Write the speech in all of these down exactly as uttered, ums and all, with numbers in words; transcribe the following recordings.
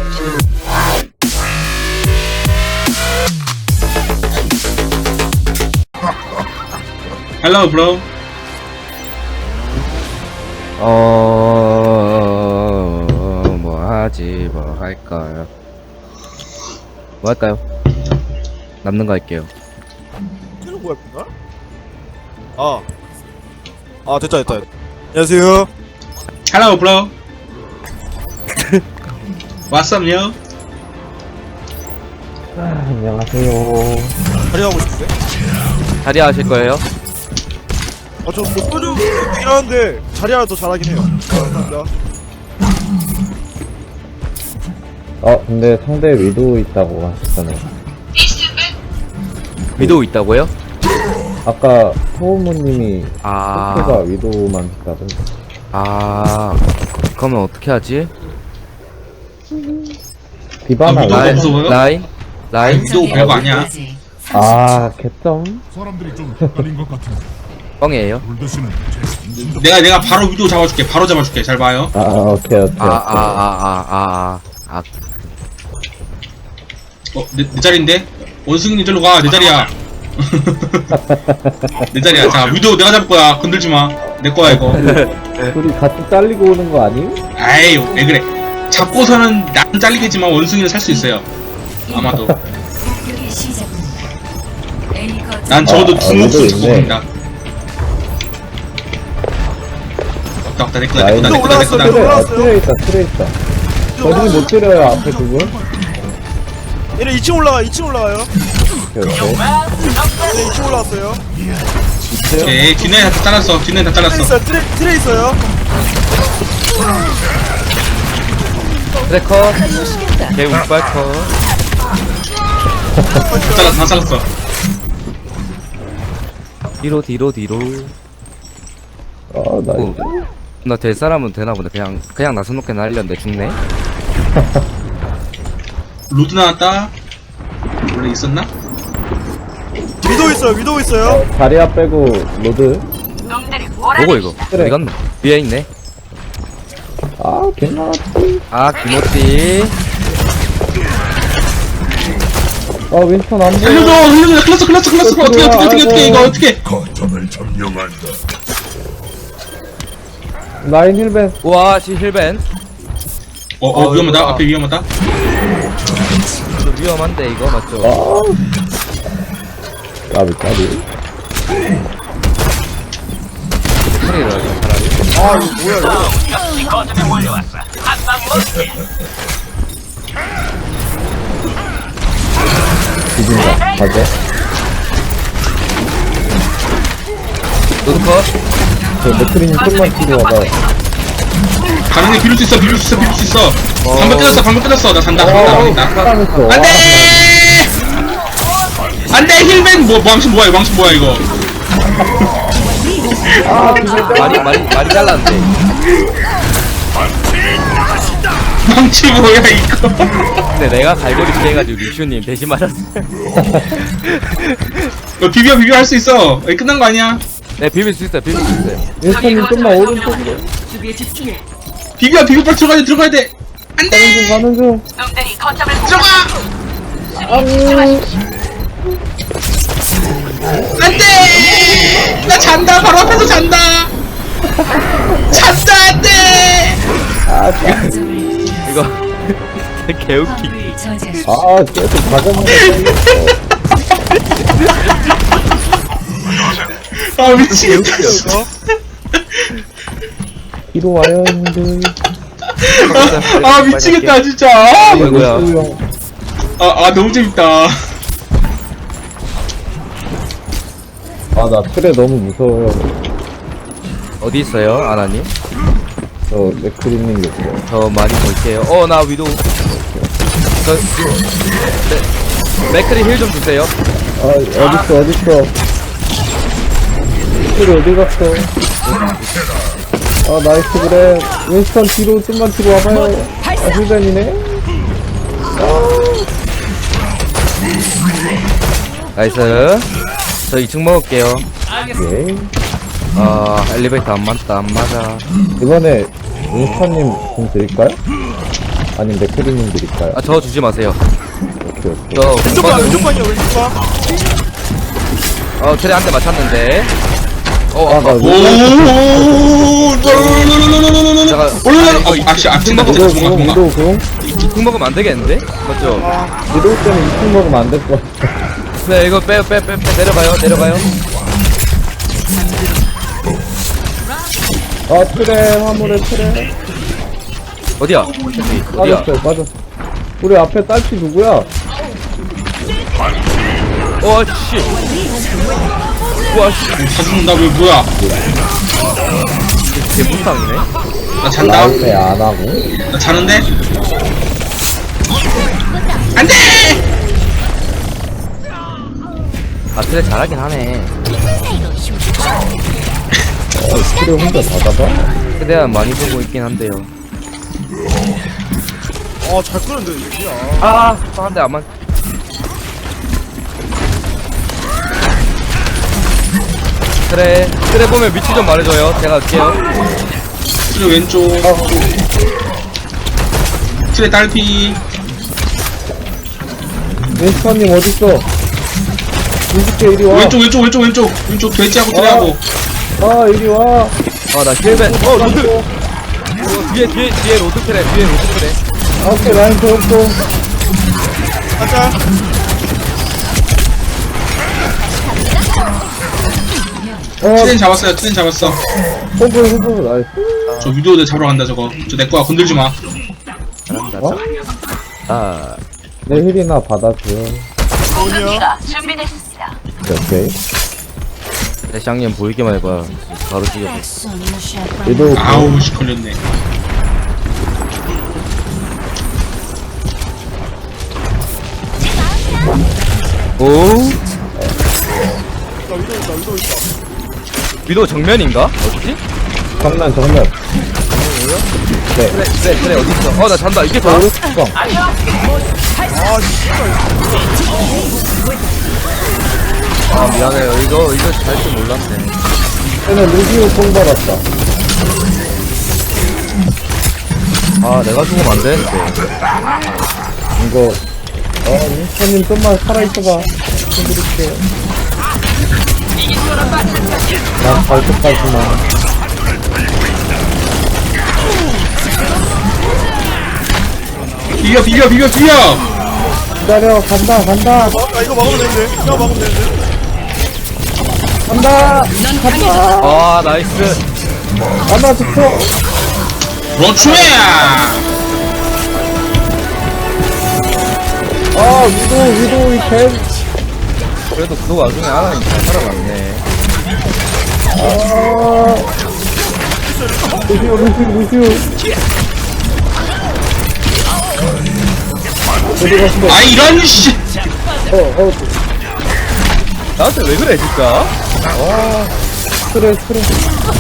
Hello, bro. 어... 뭐 하지, 뭐 할까요? 뭐 할까요? 남는 거 할게요. 이거 뭐야, 나? 아. 아, 됐다, 됐다. 안녕하세요. Hello, bro. What's up, yo? 아, 안녕하세요. 자리하고 싶은데? 자리 하실 거예요? 아, 저 뭐 소주 있긴 하는데 자리하라 더 잘하긴 해요. 감사합니다. 어, 근데 상대 위도 있다고 하셨잖아요. 위도우 있다고요? 아까 호우무님이 아... 토끼가 위도만 있다던데. 아... 그러면 어떻게 하지? 디바나 아, 위도우가 라인. 무서워요? 라인? 라인? 위도우 별거 아니야. 아, 개점? 사람들이 좀 헷갈린 것 같은데 뻥이에요? 물드시는 제 정신적 내가 내가 바로 위도우 잡아줄게. 바로 잡아줄게. 잘 봐요. 아, 오케이, 오케이. 아, 아, 아, 아, 아, 아, 아. 어, 내, 내 자리인데? 원숭이님 절로 가. 내 자리야. 내 자리야. 자, 위도우 내가 잡을 거야. 건들지 마. 내 거야 이거. 둘이 같이 잘리고 오는 거 아니? 아이, 왜 그래? 잡고서는 난 잘리겠지만 원숭이는 살 수 있어요. 아마도. 난 적어도 아, 두 아, 목숨 위도우 두고 있네. 간다. 왔다 왔다 내 거다 내 라인. 거다 내 거다 내 올라왔어, 거다. 위도우. 아, 틀에 있다, 틀에 있다. 저분이 못 때려요, 앞에 두 분. 얘네 이 층 올라가, 이 층 올라가요. 오케이, 오케이. 얘네 이 층 올라왔어요. 오케이, 뒷내 다 잘랐어. 뒷내 다 트레 잘랐어. 있어요, 트레, 트레 있어요. 트래커? 개 운빨커. 다 잘랐어. 다 잘랐어. 뒤로, 뒤로, 뒤로. 아, 나이스. 오. 나 될 사람은 되나 보다. 그냥, 그냥 나서 놓게 날렸는데 죽네? 로드 나왔다. 원래 있었나? 위도 있어요, 위도 있어요. 어, 자리야 빼고 로드. 뭐고, 이거? 그래. 어디 갔노? 위에 있네. 아, 괜찮았지. 아, 김호띠. 아, 윈스턴 안 보여. 살려줘, 살려줘. 클났어, 클났어, 클났어. 어떻게, 어떻게, 어떻게, 어떻게, 이거 어떻게? 거점을 점령한다. 라인 힐벤. 우와, 시 힐벤. 어, 어, 어, 위험하다. 이거 앞에 위험하다. 좀 위험한데, 이거 맞죠? 아. 까비, 까비. 소리를 하죠, 차라리. 아, 이거 뭐야, 이거. 뒤진다. 가자. 노드컷? 저 맥크린 좀만 뒤로 와봐. 가능해, 비빌 수 있어, 비빌 수 있어, 비빌 수 있어. 방금 끝났어, 방금 끝났어. 나 산다, 산다, 산다. 사랑했어. 안 돼! 안 돼, 힐맨! 뭐, 왕신 뭐야, 왕신 뭐야, 이거. 많이, 많이, 많이 잘랐는데. 망치 뭐야, 이거. 근데 내가 갈고리 피해가지고 리슈님 대신 맞았어. 너 비벼, 비벼 할 수 있어. 여기 끝난 거 아니야? 네, 비빌 수 있어요, 비빌 수 있어요. 윈스턴님 좀만 오른쪽으로. 비벼, 비벼, 빨리 들어가야 돼, 들어가야 돼. 안 돼! 가는 중. 들어가! 안 돼! 나 잔다, 바로 앞에서 잔다! 잔다, 안 돼! 이거 개웃기. 아, 계속 가자마자 아, 미치겠다. 이거. 뒤로 와요, 형들. 아, 아, 미치겠다, 진짜. 아, 아이고야. 아, 아, 너무 재밌다. 아, 나 틀에 너무 무서워요. 어디 있어요, 아나님? 저 맥크린님 있어요. 저 많이 볼게요. 어, 나 위도. 저, 네. 맥크리 힐 좀 주세요. 아, 어딨어, 어딨어. 틀 어디 갔어? 아, 나이스, 그래. 윈스턴 뒤로, 좀만 뒤로 와봐요. 아, 힐벤이네? 나이스. 저 이 층 먹을게요. 예. 아, 엘리베이터 안 맞다, 안 맞아. 이번에 윈스턴님 좀 드릴까요? 아니면 맥크리님 드릴까요? 아 저 주지 마세요. 오케이 오케이. 저 왼쪽 봐 왼쪽 방이야 왼쪽 방. 어 트레 한 대 맞췄는데. 어 아, 나 아까 오, 제가 올라가. 아씨, 아, 진다, 위도 진다, 공, 뭔가. 위도 공. 이국 먹으면 안 되겠는데? 맞죠? 위도 때문에 이층 먹으면 안 될 것 같아. 네 이거 빼 빼 빼 빼 내려가요 내려가요. 아, 트레, 화물에 트레. 어디야? 어디야? 빠졌어요, 빠졌어. 우리 앞에 딸피 누구야? 와 씨. 와 씨. 다 죽는다, 왜, 뭐야. 개무쌍이네. 나 잔다. 라이트 안 하고. 나 자는데? 안 돼! 아 트레 잘하긴 하네. 어, 트레 혼자 다 잡아? 최대한 많이 보고 있긴 한데요. 아잘 끄는데 이게. 아, 한 대 안 맞. 그래, 그래 보면 위치 좀 말해줘요. 제가 갈게요. 트레 왼쪽. 트레 딸피. 윈스턴님 어딨어? 이십 개 이리 와. 왼쪽, 왼쪽, 왼쪽, 왼쪽. 왼쪽 돼지하고 트레하고. 아, 이리 와. 아, 나 힐벤. 어, 로드. 어, 뒤에, 뒤에, 뒤에 로드 트랩, 뒤에 로드 트랩. 아, 오케이, 라인 배웠고. 가자. 어, 트레는 잡았어요, 트레는 잡았어. pom프, pom프, 나이스. 저 위도우 내 잡으러 간다, 저거. 저 내 거야, 건들지 마. 잘한다. 어? 아, 내 힐이나 받아줘요. 뭐냐? 오케이. 대장님 보이기만 해봐. 바로 죽여. 위도 아우, 씨, 걸렸네. 오? 나 위도 있다 위도 있다. 위도 정면인가? 어디지? 정면, 정면. 그래, 그래, 그래, 어딨어? 어, 나 잔다. 이게 더. 오른쪽. 아 씨발. 아, 미안해요. 이거, 이거 잘 줄 몰랐네. 얘는 루시오 공 받았다. 아, 내가 죽으면 안 되는데. 이거, 어, 윈스턴님 좀만 살아있어봐. 해드릴게요. 난 발톱까지만. 비벼, 비벼, 비벼, 비벼! 기다려, 간다, 간다, 아 이거 막으면 되는데. 이거 막으면 되는데. 간다! 간다! 아, 나이스. 간다, 좋죠? 그렇지! 아, 위도, 위도, 이 개. 그래도 그 와중에 하나님 잘 살아갔네. 아. 루시오, 루시오, 루시오. 어디 가시네? 아, 이런, 씨! 어, 어, 나한테 왜 그래, 진짜? 스트레스, 스트레스.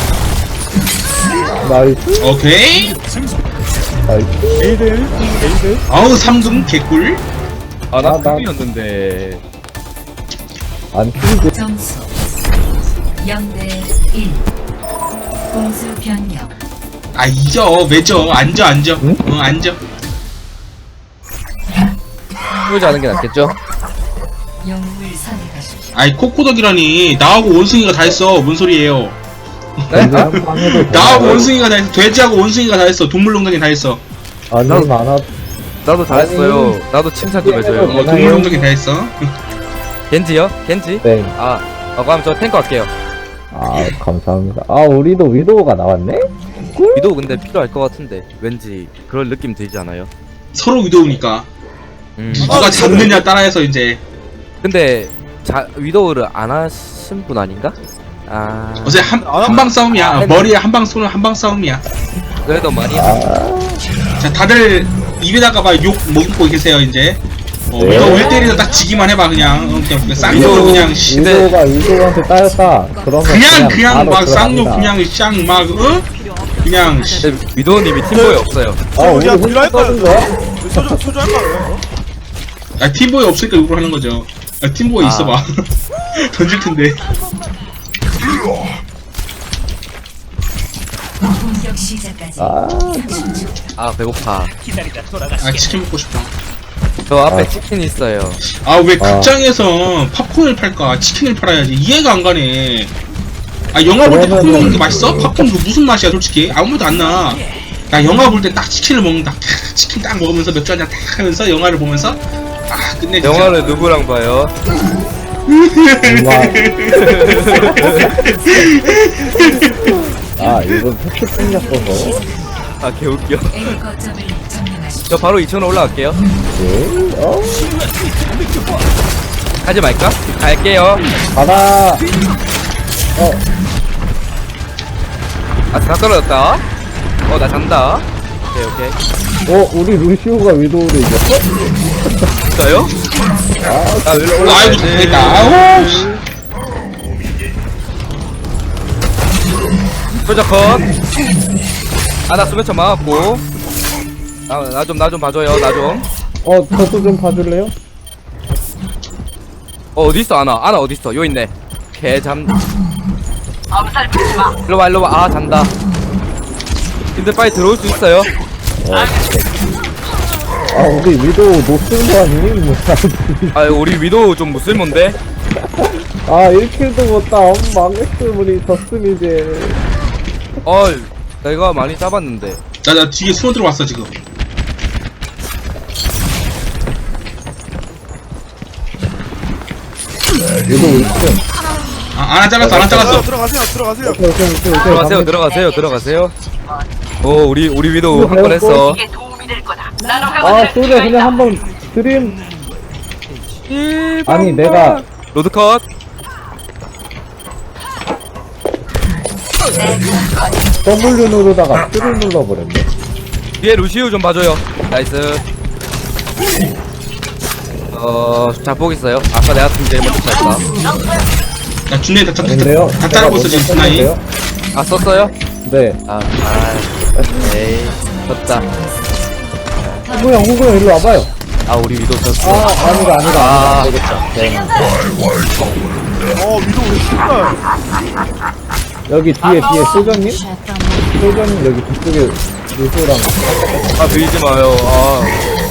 나이스, 오케이. 나이스. 에이들, 에이들. 아우, 삼 등 개꿀. 아, 나 아, 나- 클이었는데. 안 튀고. 점수 영 대 일. 공수 변경. 아, 이겨, 매져. 앉아, 앉아. 응? 응, 앉아. 풀지 않은 게 낫겠죠? 영웅을 선택하십시오. 아이, 코코덕이라니. 나하고 원숭이가 다 했어. 뭔 소리예요. 네? 한방 해도 나하고 되나요? 원숭이가 다 했어. 돼지하고 원숭이가 다 했어. 동물농장이 다 했어. 아니, 많아. 나도 잘했어요. 나도 칭찬 좀 해줘요. 어, 동물농장이 다 했어. 겐지요? 겐지? 네. 아, 아, 그럼 저 탱커 할게요. 아, 감사합니다. 아, 우리도 위도우가 나왔네? 위도우 근데 필요할 것 같은데. 왠지 그럴 느낌 들지 않아요? 서로 위도우니까. 음. 누가 잡느냐 따라해서 이제. 근데, 자, 위도우를 안 하신 분 아닌가? 아, 어제 한, 한방 싸움이야. 머리에 한방 쏘는 한방 싸움이야. 그래도 많이. 아, 자, 다들 입에다가 막 욕 먹고 계세요, 이제. 어, 네. 위도우 일 대일에서 딱 지기만 해봐, 그냥. 어, 그냥, 그냥 쌍욕으로 그냥, 씨. 위도우가 위도우한테 따였다. 그러면 그냥, 그냥 바로 막 쌍욕, 들어갑니다. 그냥 쌍 막, 어? 그냥, 씨. 근데 위도우님이 팀보이 없어요. 아, 우리 야, 혼자 딜할 떠든 거야. 거야? 소주 소주 할 거야. 아, 팀보이 없으니까 욕을 하는 거죠. 아, 팀보이 아. 있어봐. 던질 텐데. 공격 시작까지 아, 삼십 초. 아 배고파. 아 치킨 먹고 싶어. 저 앞에 아. 치킨 있어요. 아 왜 아. 극장에서 팝콘을 팔까? 치킨을 팔아야지. 이해가 안 가네. 아 영화 볼 때 팝콘 그러면은- 먹는 게 맛있어? 팝콘 그 무슨 맛이야 솔직히? 아무 맛도 안 나. 나 영화 볼 때 딱 치킨을 먹는다. 치킨 딱 먹으면서 맥주 한잔 딱 하면서 영화를 보면서 아 끝내. 진짜. 영화를 누구랑 봐요? 정말. 아, 이건 팩트 생겼어서. 아 개웃겨. A 거점을 점령하십시오. 저 바로 이천 원 올라갈게요. 네, 어? 가지 말까? 갈게요. 가라. 어, 아 다 떨어졌다. 어 나 잔다. 오케이 오케이. 어, 우리 루시오가 위도우를 이겼어? 진짜요? 나 일로 아이고 올라가야지. 잘했다. 아우. 씨. 솔저 컷. 아나 수면차 막았고. 나 좀 나 좀 봐줘요. 나 좀. 어, 저도 좀 봐줄래요? 어 어디 있어 아나? 아나 어디 있어? 요 있네. 개 잠. 일로 와 일로 와. 아 잔다. 근데 빨리 들어올 수 있어요? 아, 우리 위도우 노스인 거 아니니? 뭐, 아 우리 위도우 좀 무슬몬데? 아, 일 킬도 못 따. 엄 망했음, 우리 졌음, 이제. 어 내가 많이 잡았는데. 나, 나 뒤에 숨어 들어왔어 지금. 위도우 일 킬. 아, 안 잘랐어, 안 잘랐어. 들어가세요 들어가세요. 오케이, 오케이, 오케이, 오케이. 들어가세요 들어가세요 들어가세요. 오 우리 우리 위도우 한 건 했어. 아, 소리야, 그냥 한번 드림. 아니, 내가. 로드 컷. W 누르다가 쓰를 눌러버렸네. 뒤에 루시우 좀 봐줘요. 나이스. 어, 자폭 있어요. 아까 내가 팀 제일 먼저 쳤다. 야 준네 다, 다, 다, 근데요? 다 자르고 있어 지금 스나이. 아, 썼어요? 네. 아, 아, 에이, 졌다. 후구 형, 후구 형, 일로 와봐요. 아, 우리 위도 아, 졌어. 아니다, 아니다, 아, 아니다. 네. 어 위도 신발. 여기 뒤에, 뒤에 소전님? 소전님 여기 뒤쪽에 루시오랑. 아, 밀지 마요. 아,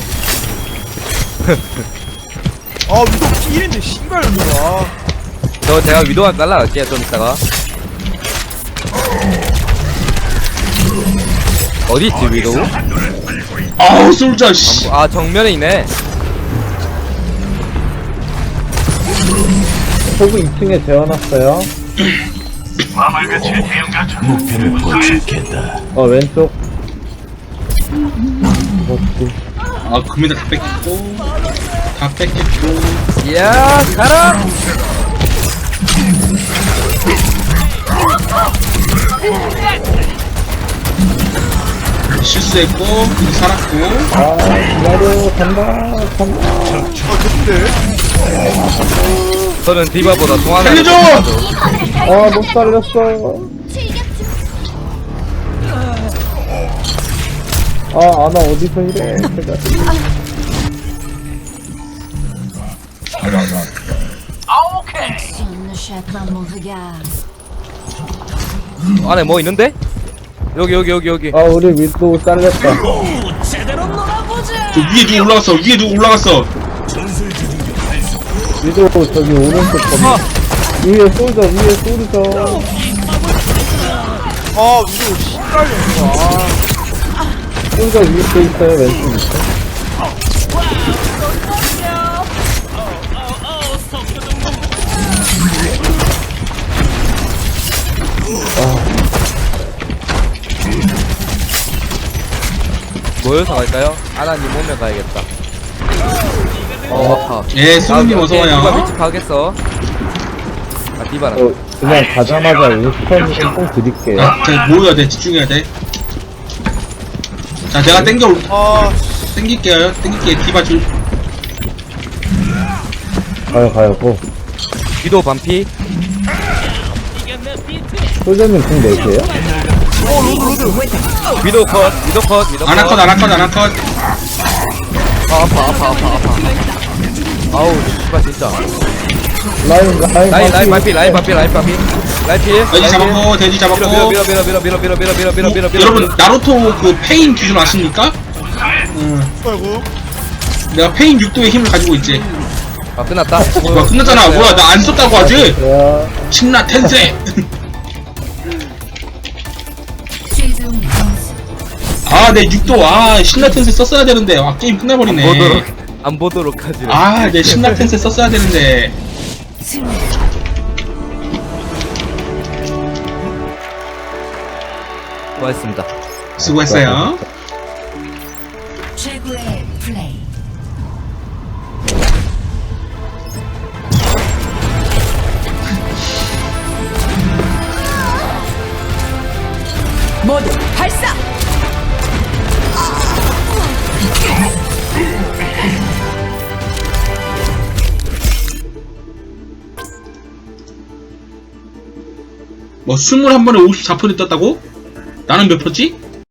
아 위도 피일인데 신발 아. 저 제가 위도한테 날라갈게요, 좀 이따가. 어디 있지, 위도? 아우 솔자 씨. 아, 정면에 있네. 호구 이 층에 재워놨어요. 목표를 포착했다. 어, 왼쪽. 어, 그, 아 금메달 다 뺏겼고 다 뺏겼고. 이야, 가라! 실수했고 근데 살았고. 아, 기다려, 간다, 간다. 아 좋은데. 저는 디바보다 송하나. 살려줘! 아, 못 살렸어. 아, 아나 어디서 이래. 제가. 안에 뭐 있는데? 여기, 여기, 여기, 여기. 아, 우리 위도 잘렸다. 저 위에 누구 올라갔어? 위에 누구 올라갔어? 위도 저기 오른쪽 건물. 위에 쏠져, 위에 쏠져. 아 위도 신발이었어. 쏠져 위에 또 있어요, 왼쪽 있어. 모여서 갈까요? 아나님 오면 가야겠다. 어, 아파. 예 수호님 아, 어서 오케이. 디바 와요. 위치 파겠어. 아, 디바랑. 어, 그냥 가자마자 윈스턴 뽕 드릴게요. 아, 자 모여야 돼 집중해야 돼. 자 내가 땡겨 올 아 땡길게요. 땡길게 디바 줄. 가요, 가요, 고. 위도 반피. 소전님 공 내세요? 위도 컷, 위도 컷, 위도 컷. 아나컷 아나컷 아나컷. 아, 아파, 아파, 아파, 아파. 아우, 씨발, 진짜. 라인, 라인, 라인, 라인 반피. 반피, 라인 반피, 라인 반피. 라이필. 돼지 잡았고 돼지 밀어 밀어 잡았고. 밀어 밀어 밀어 밀어 밀어 밀어 밀어 밀어 밀어 밀어. 여러분 나루토 그 페인 기준 아십니까? 응. 아이고. 내가 페인 육 도의 힘을 가지고 있지. 아 끝났다. 뭐야 끝났잖아. 뭐야 나 안 썼다고 하지? 야, 신나 텐세. 최종 점수 아, 내 육 도, 아, 신나 텐세 썼어야 되는데, 아, 게임 끝나버리네. 보도록 안 보도록 하지. 아, 내 신나 텐세 썼어야 되는데. 승리. 수고하셨습니다. 수고했어요. 최고의 플레이. 모두 발사. 뭐, 스물한 번에 오십사 퍼센트 떴다고? 나는 몇 프로지?